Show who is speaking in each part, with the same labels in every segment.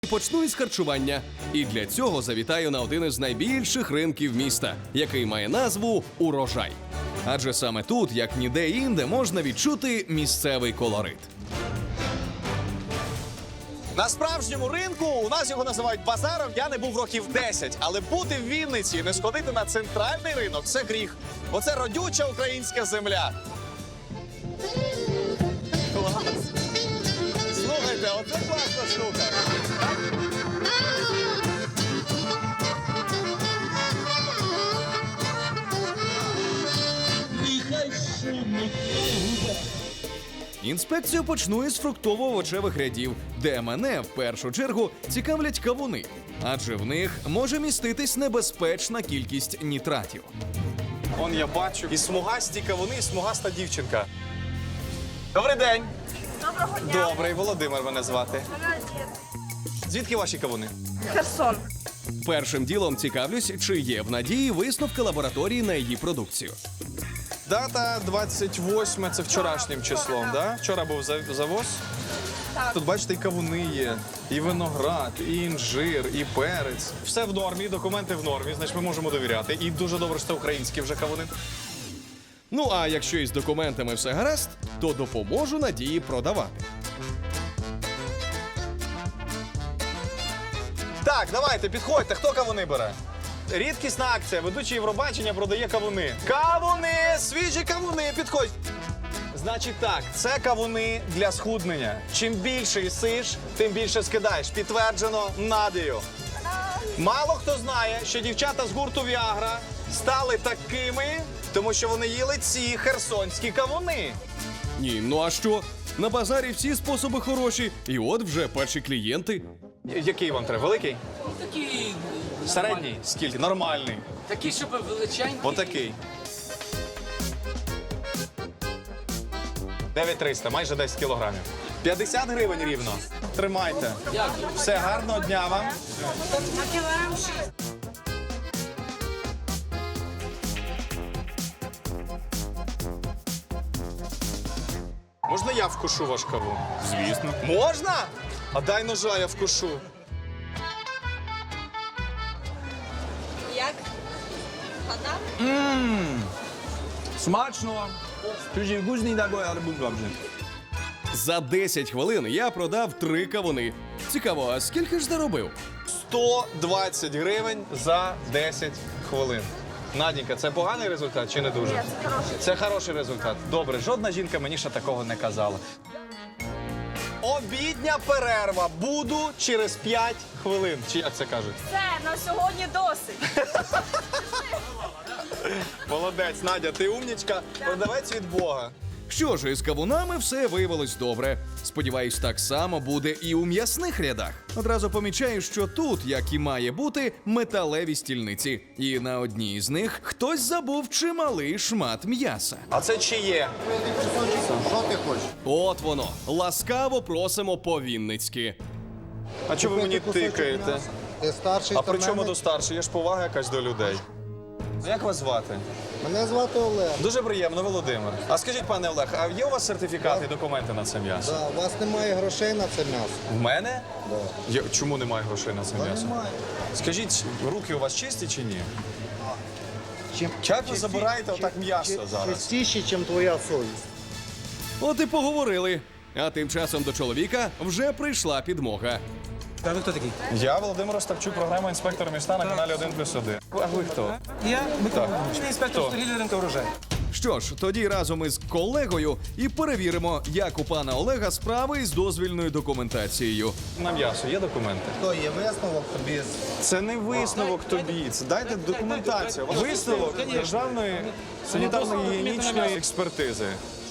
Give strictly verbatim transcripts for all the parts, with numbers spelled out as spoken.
Speaker 1: Почну із харчування. І для цього завітаю на один із найбільших ринків міста, який має назву «Урожай». Адже саме тут, як ніде інде, можна відчути місцевий колорит.
Speaker 2: На справжньому ринку, у нас його називають базаром, я не був років десять. Але бути в Вінниці і не сходити на центральний ринок – це гріх. Бо це родюча українська земля. Клас! Слухайте, оце класна штука.
Speaker 1: Інспекцію почну із фруктово-овочевих рядів, де мене в першу чергу цікавлять кавуни, адже в них може міститись небезпечна кількість нітратів.
Speaker 2: Он я бачу і смугасті кавуни, і смугаста дівчинка. Добрий день!
Speaker 3: Доброго дня.
Speaker 2: Добрий, Володимир мене звати. Звідки ваші кавуни?
Speaker 3: Херсон.
Speaker 1: Першим ділом цікавлюсь, чи є в Надії висновки лабораторії на її продукцію.
Speaker 2: Дата двадцять восьме, це вчорашнім числом, да? Вчора був за- завоз.
Speaker 3: Так.
Speaker 2: Тут, бачите, і кавуни є, і виноград, і інжир, і перець. Все в нормі, документи в нормі, значить ми можемо довіряти. І дуже добре, що це українські вже кавуни.
Speaker 1: Ну а якщо із документами все гаразд, то допоможу Надії продавати.
Speaker 2: Так, давайте, підходьте, хто кавуни бере? Рідкісна акція, ведучий Євробачення продає кавуни. Кавуни! Свіжі кавуни, підходь! Значить так, це кавуни для схуднення. Чим більше їсиш, тим більше скидаєш. Підтверджено Надією. Мало хто знає, що дівчата з гурту Віагра стали такими, тому що вони їли ці херсонські кавуни.
Speaker 1: Ні, ну а що? На базарі всі способи хороші, і от вже перші клієнти.
Speaker 2: Який вам треба? Великий?
Speaker 4: Такий
Speaker 2: Середній? Скільки? Нормальний.
Speaker 4: такий, щоб величенький.
Speaker 2: Отакий. дев'ять триста, майже десять кілограмів. п'ятдесят гривень рівно. Тримайте.
Speaker 4: Дякую.
Speaker 2: Все, гарного дня вам.
Speaker 3: На кілограм шість.
Speaker 2: Можна я вкушу ваш кавун? Звісно. Можна? А дай ножа, я вкушу.
Speaker 3: Як? Вода?
Speaker 5: Смачно. Дуже вкусний такой, але був добре.
Speaker 1: За десять хвилин я продав три кавуни. Цікаво, а скільки ж заробив?
Speaker 2: сто двадцять гривень за десять хвилин. Наденька, це поганий результат чи не дуже?
Speaker 3: Ні, це хороший.
Speaker 2: Це хороший результат. Добре, жодна жінка мені ще такого не казала. Обідня перерва. Буду через п'ять хвилин. Чи як це кажуть?
Speaker 3: Все, на сьогодні досить.
Speaker 2: Молодець, Надя, ти умнічка. Продавець від Бога.
Speaker 1: Що ж, із кавунами все виявилось добре. Сподіваюсь, так само буде і у м'ясних рядах. Одразу помічаю, що тут, як і має бути, металеві стільниці. І на одній з них хтось забув чималий шмат м'яса.
Speaker 2: А це чиє?
Speaker 1: От воно. Ласкаво просимо по-вінницьки.
Speaker 2: А чого ви мені тикаєте?
Speaker 6: Ти старший
Speaker 2: А
Speaker 6: та
Speaker 2: при чому
Speaker 6: мене?
Speaker 2: до старший? Є ж повага якась до людей. Як вас звати?
Speaker 6: Мене звати Олег.
Speaker 2: Дуже приємно, Володимир. А скажіть, пане Олег, а є у вас сертифікати і документи на це м'ясо?
Speaker 6: Да, у вас немає грошей на це м'ясо.
Speaker 2: В мене?
Speaker 6: Да.
Speaker 2: Я, чому немає грошей на це
Speaker 6: Та
Speaker 2: м'ясо?
Speaker 6: немає.
Speaker 2: Скажіть, руки у вас чисті чи ні?
Speaker 6: Чим,
Speaker 2: Як ви забираєте отак м'ясо зараз?
Speaker 6: Чистіше, ніж твоя совість.
Speaker 1: От і поговорили. А тим часом до чоловіка вже прийшла підмога.
Speaker 5: А ви хто такий?
Speaker 2: Я Володимир Остапчук, програма «Інспектор міста» на каналі один плюс один. А ви хто?
Speaker 5: Я Микола Григорович, інспектор
Speaker 2: Хто?
Speaker 5: торгівлі ринку урожай.
Speaker 1: Що ж, тоді разом із колегою і перевіримо, як у пана Олега справи із дозвільною документацією.
Speaker 2: На м'ясо є документи?
Speaker 6: То є висновок тобі.
Speaker 2: Це не висновок тобі, це дайте документацію. Висновок державної санітарно-гігієнічної експертизи.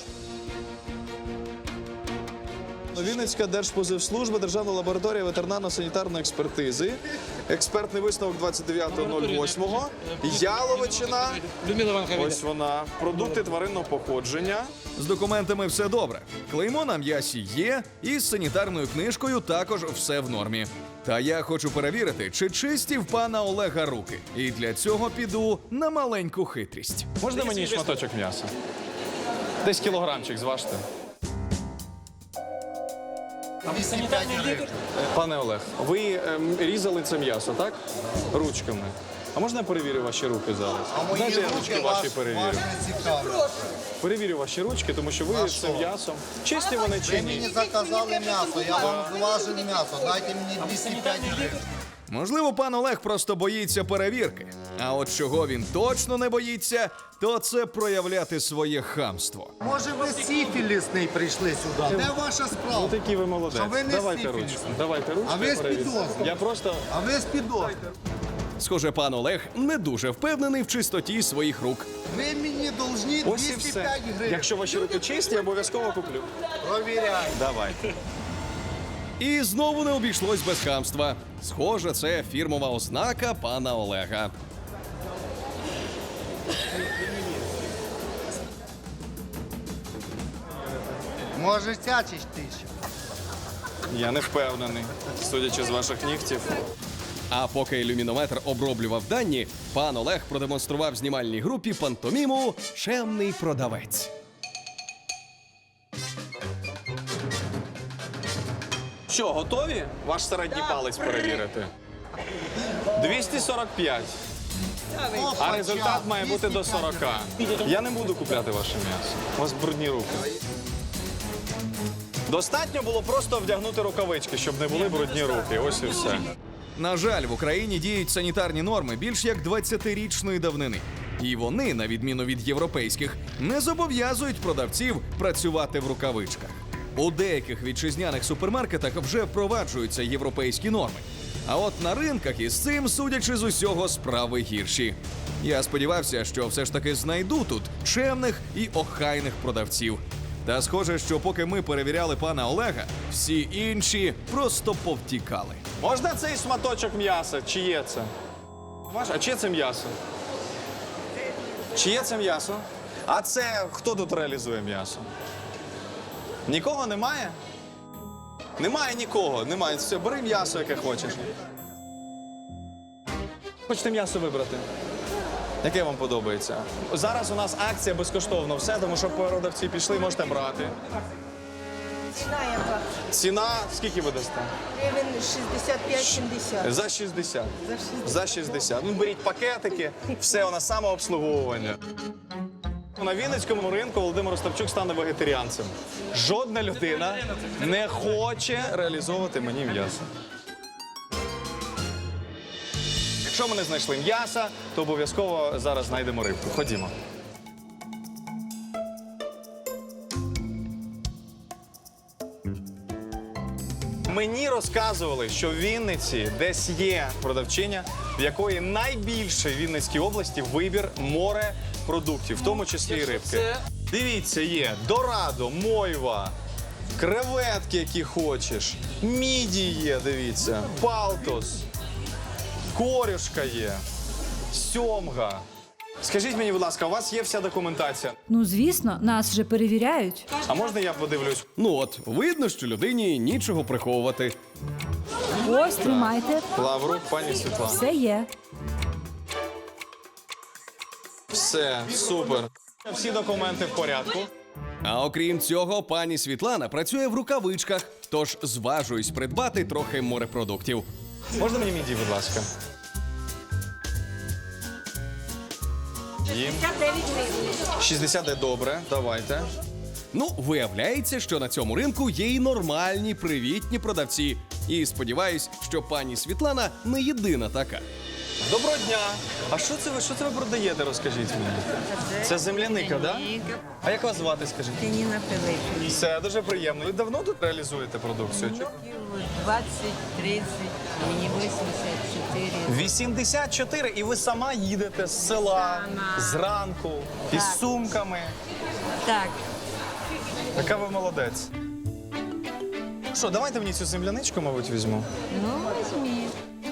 Speaker 2: Вінницька Держпозивслужба, Державна лабораторія ветеринарно-санітарної експертизи. Експертний висновок двадцять дев'ятого нуль восьмого. Яловичина.
Speaker 5: Людмила Івановна.
Speaker 2: Ось вона. Продукти тваринного походження.
Speaker 1: З документами все добре. Клеймо на м'ясі є, і з санітарною книжкою також все в нормі. Та я хочу перевірити, чи чисті в пана Олега руки. І для цього піду на маленьку хитрість.
Speaker 2: Можна мені шматочок м'яса? Десь кілограмчик зважте.
Speaker 6: двести пять гривен.
Speaker 2: Пане Олег, ви ем, різали це м'ясо, так? Ручками. А можна я перевірю ваші руки зараз?
Speaker 6: А мої
Speaker 2: Знаєте, я
Speaker 6: руки
Speaker 2: ручки
Speaker 6: вас,
Speaker 2: ваші
Speaker 6: вас
Speaker 2: перевірю.
Speaker 6: не цікавлять.
Speaker 2: Перевірю ваші ручки, тому що ви
Speaker 6: А
Speaker 2: з
Speaker 6: що?
Speaker 2: цим м'ясом. Чисті вони чи
Speaker 6: Ви мені
Speaker 2: ні?
Speaker 6: заказали м'ясо, я вам зважив м'ясо. Дайте мені двести пять гривен.
Speaker 1: Можливо, пан Олег просто боїться перевірки. А от чого він точно не боїться, то це проявляти своє хамство.
Speaker 6: Може ви сифілісний прийшли сюди? Де ваша справа?
Speaker 2: Ну такі ви молодець.
Speaker 6: Що ви не
Speaker 2: Давайте
Speaker 6: сифіліс.
Speaker 2: ручку. Давайте ручку.
Speaker 6: А ви з
Speaker 2: перевірте.
Speaker 6: підозрою.
Speaker 2: Я просто.
Speaker 6: А ви з підозрою.
Speaker 1: Схоже, пан Олег не дуже впевнений в чистоті своїх рук.
Speaker 6: Ви мені должні
Speaker 2: Ось і
Speaker 6: двести
Speaker 2: все.
Speaker 6: пять гривень.
Speaker 2: Якщо ваші руки чисті, я обов'язково куплю.
Speaker 6: Провіряй.
Speaker 2: Давайте.
Speaker 1: І знову не обійшлось без хамства. Схоже, це фірмова ознака пана Олега.
Speaker 6: Може цячиш ти ще?
Speaker 2: Я не впевнений, судячи з ваших нігтів.
Speaker 1: А поки ілюмінометр оброблював дані, пан Олег продемонстрував знімальній групі пантоміму «Чемний продавець».
Speaker 2: Що, готові? Ваш середній палець перевірити. двісті сорок п'ять. А результат має бути до сорока. Я не буду купляти ваше м'ясо. У вас брудні руки. Достатньо було просто вдягнути рукавички, щоб не були брудні руки. Ось і все.
Speaker 1: На жаль, в Україні діють санітарні норми більш як двадцятирічної давнини. І вони, на відміну від європейських, не зобов'язують продавців працювати в рукавичках. У деяких вітчизняних супермаркетах вже впроваджуються європейські норми. А от на ринках із цим, судячи з усього, справи гірші. Я сподівався, що все ж таки знайду тут чемних і охайних продавців. Та схоже, що поки ми перевіряли пана Олега, всі інші просто повтікали.
Speaker 2: Можна цей шматочок м'яса? Чиє це? Ваше? А чиє це м'ясо? Чиє це м'ясо? А це хто тут реалізує м'ясо? Нікого немає? Немає нікого, немає. Все, бери м'ясо, яке хочеш. Хочете м'ясо вибрати? Яке вам подобається? Зараз у нас акція безкоштовно все, тому що продавці пішли, можете брати.
Speaker 3: Ціна яка?
Speaker 2: Ціна скільки ви дасте?
Speaker 3: Гривень шістдесят п'ять сімдесят.
Speaker 2: За шістдесят.
Speaker 3: За шістдесят.
Speaker 2: За шістдесят. Ну, беріть пакетики, все, у нас самообслуговування. На Вінницькому ринку Володимир Остапчук стане вегетаріанцем. Жодна людина не хоче реалізовувати мені м'ясо. Якщо ми не знайшли м'яса, то обов'язково зараз знайдемо рибку. Ходімо. Мені розказували, що в Вінниці десь є продавчиня, в якої найбільше в Вінницькій області вибір морепродуктів, в тому числі і рибки.
Speaker 4: Це-
Speaker 2: Дивіться, є дорадо, мойва, креветки, які хочеш, міді є, дивіться, палтос, корюшка є, сьомга. Скажіть мені, будь ласка, у вас є вся документація?
Speaker 7: Ну, звісно, нас же перевіряють.
Speaker 2: А можна я подивлюсь?
Speaker 1: Ну от, видно, що людині нічого приховувати.
Speaker 7: Ось, тримайте.
Speaker 2: Лаврук, пані Світлана.
Speaker 7: Все є.
Speaker 2: Все, супер. Всі документи в порядку.
Speaker 1: А окрім цього, пані Світлана працює в рукавичках, тож зважуюсь придбати трохи морепродуктів.
Speaker 2: Можна мені міді, будь ласка? Їм.
Speaker 3: шістдесят дев'ять гривень.
Speaker 2: шістдесят де добре, давайте.
Speaker 1: Ну, виявляється, що на цьому ринку є й нормальні, привітні продавці. І сподіваюсь, що пані Світлана не єдина така.
Speaker 2: Доброго дня! А що це ви, що це ви продаєте, розкажіть мені? Це земляника, так? Да? А як вас звати, скажіть?
Speaker 8: Ніна Пилипівна.
Speaker 2: Все, дуже приємно. Ви давно тут реалізуєте продукцію? чи?
Speaker 8: двадцять, тридцять, мені вісімдесят чотири.
Speaker 2: вісімдесят чотири, і ви сама їдете з села, зранку, із сумками.
Speaker 8: Так,
Speaker 2: Яка ви молодець. Що, давайте мені цю земляничку, мабуть, візьму.
Speaker 8: ну візьміть.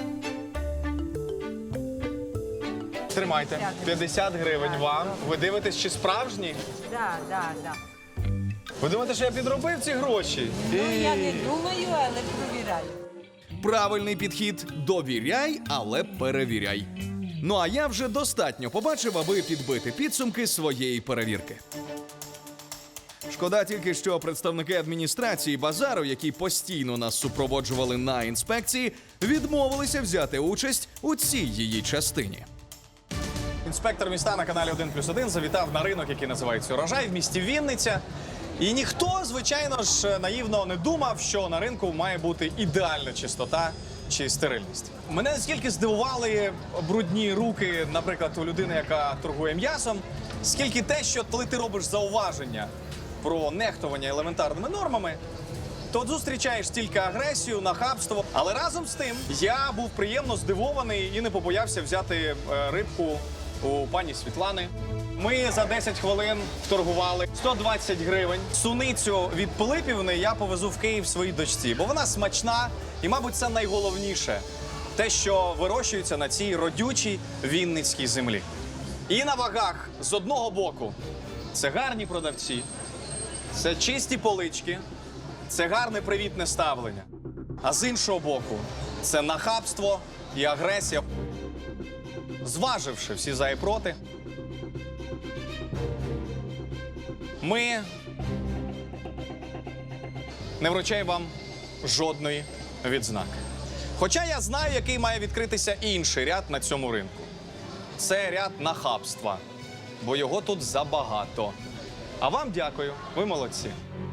Speaker 2: Тримайте. п'ятдесят гривень вам. Ви дивитесь, чи справжні?
Speaker 8: Да, да, да.
Speaker 2: Ви думаєте, що я підробив ці гроші?
Speaker 8: Ну, я не думаю, але провіряю.
Speaker 1: Правильний підхід – довіряй, але перевіряй. Ну а я вже достатньо побачив, аби підбити підсумки своєї перевірки. Шкода тільки, що представники адміністрації базару, які постійно нас супроводжували на інспекції, відмовилися взяти участь у цій її частині.
Speaker 2: Інспектор міста на каналі один плюс один завітав на ринок, який називається «Урожай» в місті Вінниця. І ніхто, звичайно ж, наївно не думав, що на ринку має бути ідеальна чистота чи стерильність. Мене наскільки здивували брудні руки, наприклад, у людини, яка торгує м'ясом, скільки те, що коли ти робиш зауваження про нехтування елементарними нормами, то зустрічаєш тільки агресію, нахабство. Але разом з тим я був приємно здивований і не побоявся взяти е, рибку у пані Світлани. Ми за десять хвилин торгували сто двадцять гривень. Суницю від Пилипівни я повезу в Київ своїй дочці, бо вона смачна і, мабуть, це найголовніше. Те, що вирощується на цій родючій вінницькій землі. І на вагах з одного боку це гарні продавці, це чисті полички, це гарне привітне ставлення. А з іншого боку, це нахабство і агресія. Зваживши всі за і проти, ми не вручаємо вам жодної відзнаки. Хоча я знаю, який має відкритися інший ряд на цьому ринку. Це ряд нахабства, бо його тут забагато. А вам дякую, ви молодці.